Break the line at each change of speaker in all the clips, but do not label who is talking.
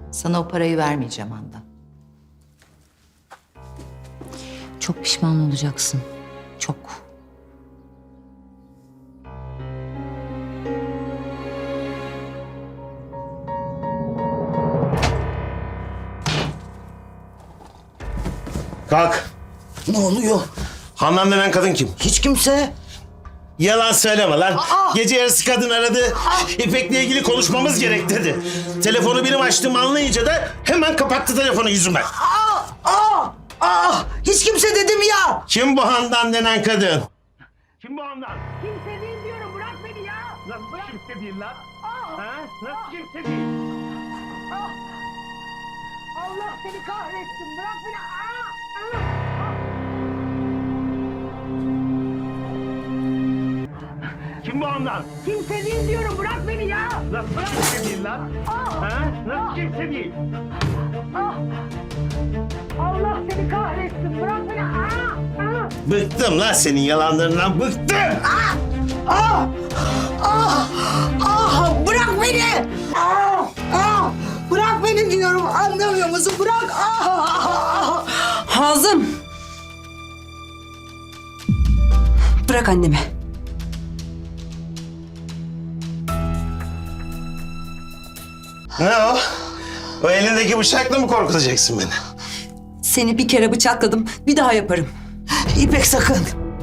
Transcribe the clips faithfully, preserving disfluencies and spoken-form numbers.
Sana o parayı vermeyeceğim Handan.
Çok pişman olacaksın. Çok.
Kalk.
Ne oluyor?
Handan denen kadın kim?
Hiç kimse.
Yalan söyleme lan.
Aa!
Gece yarısı kadın aradı. İpek'le ilgili konuşmamız gerek dedi. Telefonu benim açtığımı anlayınca da hemen kapattı telefonu yüzüme.
Aa, aa, aa, hiç kimse dedim ya.
Kim bu Handan denen kadın? Kim bu Handan?
Kimse değil diyorum, bırak beni ya.
Nasıl
Bırak.
kimse değil lan?
Ah,
Ha? Nasıl kimse değil?
ah. Allah seni kahretsin, bırak beni. Ah, ah, ah.
Kim bu Handan?
Kimse değil diyorum, bırak beni ya.
Nasıl kimse değil lan?
Ah,
Ha? Nasıl kimse değil?
ah. Allah seni kahretsin, bırak beni. Ah, ah.
Bıktım lan senin yalanlarından bıktım.
Ah, ah, ah, bırak beni. Ah, ah, bırak beni diyorum, anlamıyor musun? Bırak. Ah, ah, ah.
Hazım! Bırak annemi.
Ne o? O elindeki bıçakla mı korkutacaksın beni?
Seni bir kere bıçakladım, bir daha yaparım.
İpek sakın.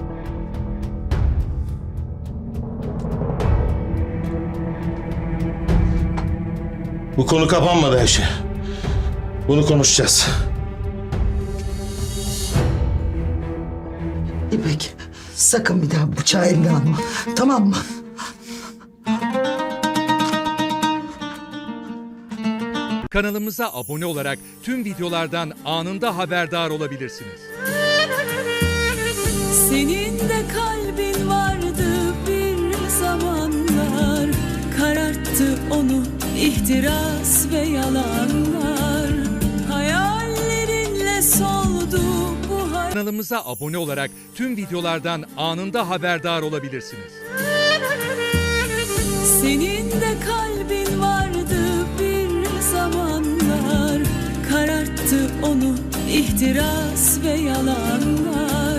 Bu konu kapanmadı Ayşe. Bunu konuşacağız.
İpek, sakın bir daha bıçağı eline alma. Tamam mı?
Kanalımıza abone olarak tüm videolardan anında haberdar olabilirsiniz.
Senin de kalbin vardı bir zamanlar, kararttı onu ihtiras ve yalanlar. Hayallerinle soldu bu hayat.
Kanalımıza abone olarak tüm videolardan anında haberdar olabilirsiniz.
Senin de kalbin vardı bir zamanlar, kararttı onu ihtiras ve yalanlar.